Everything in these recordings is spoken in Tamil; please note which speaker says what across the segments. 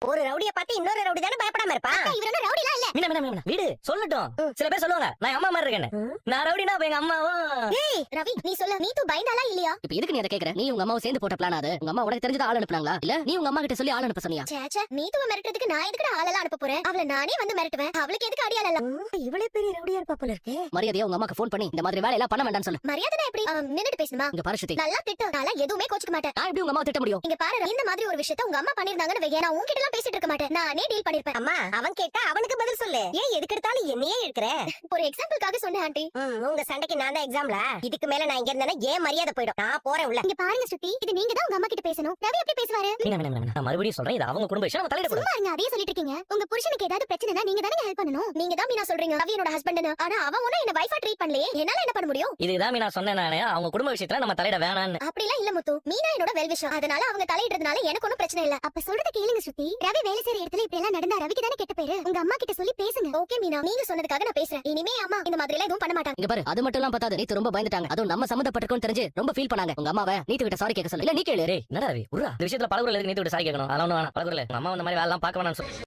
Speaker 1: ஒரு ரவுடிய பார்த்து இன்னொரு ரவுடி தானே பயப்படாம இருப்பா.
Speaker 2: இவர என்ன ரவுடிலாம் இல்ல.
Speaker 3: மீனா வீடு சொல்லட்டும். சில பேர் சொல்லுவாங்க நான் அம்மா மாதிரி இருக்கேன்னு. நான் ரவுடினா அப்ப எங்க அம்மாவும்.
Speaker 2: ஏய் ரவி நீ சொல்ல, நீ தூ பயந்தாளா இல்லையா?
Speaker 4: இப்ப எதுக்கு நீ அத கேக்குற? நீ உங்க அம்மாவை சேர்ந்து போட்ட பிளான் அது. உங்க அம்மா உனக்கு தெரிஞ்சத ஆள் அனுப்புனாங்களா இல்ல நீ உங்க அம்மா கிட்ட சொல்லி ஆள் அனுப்ப சொன்னியா?
Speaker 2: சேச்சே நீ தூ மிரட்டறதுக்கு நான் எதுக்குடா ஆளெல்லாம் அனுப்ப போறேன்? அவள நானே வந்து மிரட்டுவேன். அவளுக்கு எதுக்கு அடியால இல்ல?
Speaker 1: இவளே பெரிய ரவுடியா இருப்பா போல இருக்கே.
Speaker 4: மரியாதையா உங்க அம்மாக்கு ஃபோன் பண்ணி இந்த மாதிரி வேலை எல்லாம் பண்ண வேண்டாம்னு சொல்லு.
Speaker 2: மரியாதைனா எப்படி? நின்னுட்டு பேசணுமா?
Speaker 4: இங்க பாரு ஸ்ருதி,
Speaker 2: நல்லா திட்டு. நான் எதுவுமே கோச்சிக்க மாட்டேன்.
Speaker 4: நான் எப்படி உங்க அம்மாவை திட்ட முடியும்?
Speaker 2: இங்க பாரு, இந்த மாதிரி ஒரு விஷயத்தை உங்க அம்மா பண்ணிருந்தாங்கன்னு வையே, நான் உன்கிட்ட எல்லாம் பேசிட்டு இருக்க மாட்டேன். நானே டீல் பண்ணிருப்பேன்.
Speaker 1: அம்மா அவன் கேட்டா அவனுக்கு பதில் சொல்லு. ஏன் எதுக்கு எடுத்தாலும் என்னையே இருக்கிற?
Speaker 2: ஒரு எக்ஸாம்பிளுக்காக சொன்னேன் ஆண்டி.
Speaker 1: உங்க சண்டைக்கு நான் தான் எக்ஸாம்ல. இதுக்கு மேல நான் இங்க இருந்தேன்னா ஏன் மரியாதை போயிடும். நான் போறேன் உள்ள.
Speaker 2: இங்க பாருங்க ஸ்ருதி, இது நீங்க தான் உங்க அம்மா கிட்ட பேசணும். ரவி எப்படி பேசுவாரு?
Speaker 3: மீனா நான் மறுபடியும் சொல்றேன், இது அவங்க குடும்ப விஷயம், நம்ம தலையிட கூடாது.
Speaker 2: சும்மா இருங்க, அதே சொல்லிட்டு இருக்கீங்க. உங்க புருஷனுக்கு ஏதாவது பிரச்சனைனா நீங்க தானே ஹெல்ப் பண்ணணும். நீங்க தான் மீனா சொல்றீங்க ரவி என்னோட ஹஸ்பண்ட்னு. ஆனா அவன் ஒண்ணு என்ன வைஃபா ட்ரீட் பண்ணலையே, என்னால என்ன பண்ண முடியும்?
Speaker 3: இதுதான் மீனா சொன்னேன் நானே, அவங்க குடும்ப விஷயத்துல நம்ம தலையிட வேணாம்னு.
Speaker 2: அப்படிலாம் இல்ல முத்து, மீனா என்னோட வெல் விஷயம். அதனால அவங்க தலையிடுறதுனால எனக்கு ஒன்னும் பிரச்சனை இல்ல. அப்ப சொல்றத கேளுங்க ஸ்ருதி. ரவி வேலை செய்யற இடத்துல இப்படி எல்லாம் நடந்தா ரவிக்கு தானே கெட்ட பேரு. உங்க அம்மா கிட்ட சொல்லி பேசுங்க. ஓகே மீனா, நீங்க சொன்னதுக்காக நான் பேசுறேன். இனிமே அம்மா இந்த மாதிரி எல்லாம் எதுவும் பண்ண மாட்டாங்க.
Speaker 4: இங்க பாரு, அது மட்டும் எல்லாம் பத்தாது, நீத்து ரொம்ப பயந்துட்டாங்க. அதுவும் நம்ம சம்மந்தப்பட்டிருக்கோம்னு தெரிஞ்சு ரொம்ப ஃபீல் பண்ணாங்க. உங்க அம்மாவை நீத்து கிட்ட சாரி கேட்க சொல்லு. இல்ல நீ கேளு.
Speaker 3: டேய் என்னடா ரவி உர்ரா, இந்த விஷயத்துல பலகுரல் எதுக்கு நீத்து கிட்ட சாரி கேட்கணும்? அதெல்லாம் வேணாம். பலகுரல் உங்க அம்மா இந்த மாதிரி வேலை எல்லாம் பார்க்க வேணாம்னு சொல்லு.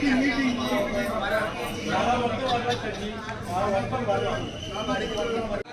Speaker 5: Meeting.